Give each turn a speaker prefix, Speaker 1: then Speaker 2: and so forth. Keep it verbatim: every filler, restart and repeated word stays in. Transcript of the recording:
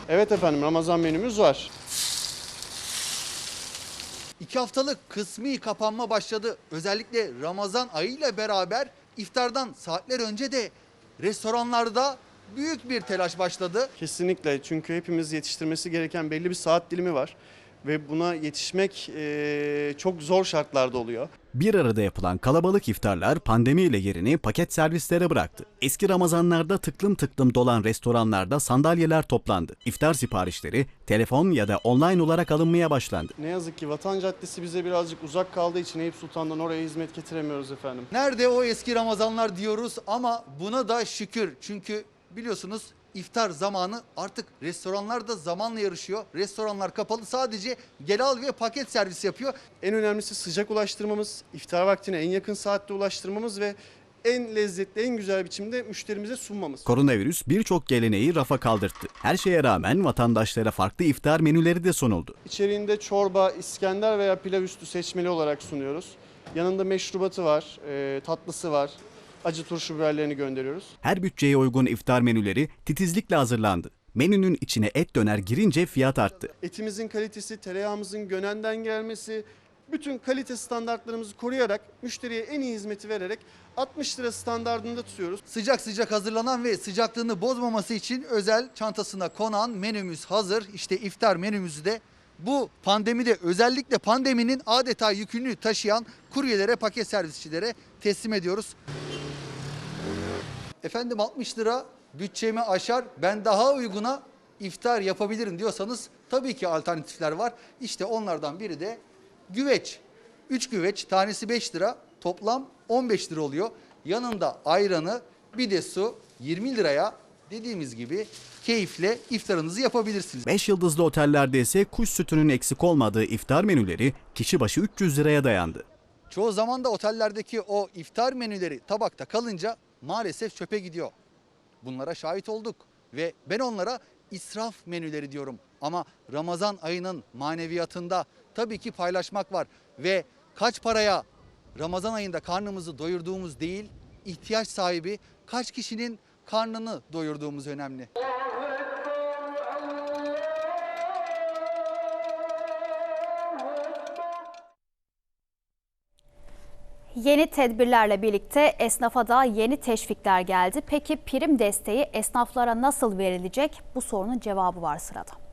Speaker 1: Evet efendim, Ramazan menümüz var.
Speaker 2: İki haftalık kısmi kapanma başladı. Özellikle Ramazan ayıyla beraber iftardan saatler önce de restoranlarda büyük bir telaş başladı.
Speaker 1: Kesinlikle, çünkü hepimiz yetiştirmesi gereken belli bir saat dilimi var. Ve buna yetişmek eee, çok zor şartlarda oluyor.
Speaker 3: Bir arada yapılan kalabalık iftarlar pandemiyle yerini paket servislere bıraktı. Eski Ramazanlarda tıklım tıklım dolan restoranlarda sandalyeler toplandı. İftar siparişleri telefon ya da online olarak alınmaya başlandı.
Speaker 1: Ne yazık ki Vatan Caddesi bize birazcık uzak kaldığı için Eyüp Sultan'dan oraya hizmet getiremiyoruz efendim.
Speaker 2: Nerede o eski Ramazanlar diyoruz ama buna da şükür. Çünkü biliyorsunuz iftar zamanı artık restoranlar da zamanla yarışıyor. Restoranlar kapalı, sadece gel al ve paket servis yapıyor.
Speaker 1: En önemlisi sıcak ulaştırmamız, iftar vaktine en yakın saatte ulaştırmamız ve en lezzetli, en güzel biçimde müşterimize sunmamız.
Speaker 3: Koronavirüs birçok geleneği rafa kaldırttı. Her şeye rağmen vatandaşlara farklı iftar menüleri de sunuldu.
Speaker 1: İçeriğinde çorba, İskender veya pilav üstü seçmeli olarak sunuyoruz. Yanında meşrubatı var, e, tatlısı var. Acı turşu biberlerini gönderiyoruz.
Speaker 3: Her bütçeye uygun iftar menüleri titizlikle hazırlandı. Menünün içine et döner girince fiyat arttı.
Speaker 1: Etimizin kalitesi, tereyağımızın Gönen'den gelmesi, bütün kalite standartlarımızı koruyarak, müşteriye en iyi hizmeti vererek altmış lira standardında tutuyoruz.
Speaker 2: Sıcak sıcak hazırlanan ve sıcaklığını bozmaması için özel çantasına konan menümüz hazır. İşte iftar menümüzü de bu pandemide, özellikle pandeminin adeta yükünü taşıyan kuryelere, paket servisçilere teslim ediyoruz. Efendim altmış lira bütçemi aşar, ben daha uyguna iftar yapabilirim diyorsanız tabii ki alternatifler var. İşte onlardan biri de güveç. üç güveç, tanesi beş lira, toplam on beş lira oluyor. Yanında ayranı, bir de su, yirmi liraya dediğimiz gibi keyifle iftarınızı yapabilirsiniz.
Speaker 3: beş yıldızlı otellerde ise kuş sütünün eksik olmadığı iftar menüleri kişi başı üç yüz liraya dayandı.
Speaker 2: Çoğu zaman da otellerdeki o iftar menüleri tabakta kalınca maalesef çöpe gidiyor. Bunlara şahit olduk ve ben onlara israf menüleri diyorum. Ama Ramazan ayının maneviyatında tabii ki paylaşmak var ve kaç paraya Ramazan ayında karnımızı doyurduğumuz değil, ihtiyaç sahibi kaç kişinin karnını doyurduğumuz önemli.
Speaker 4: Yeni tedbirlerle birlikte esnafa da yeni teşvikler geldi. Peki prim desteği esnaflara nasıl verilecek? Bu sorunun cevabı var sırada.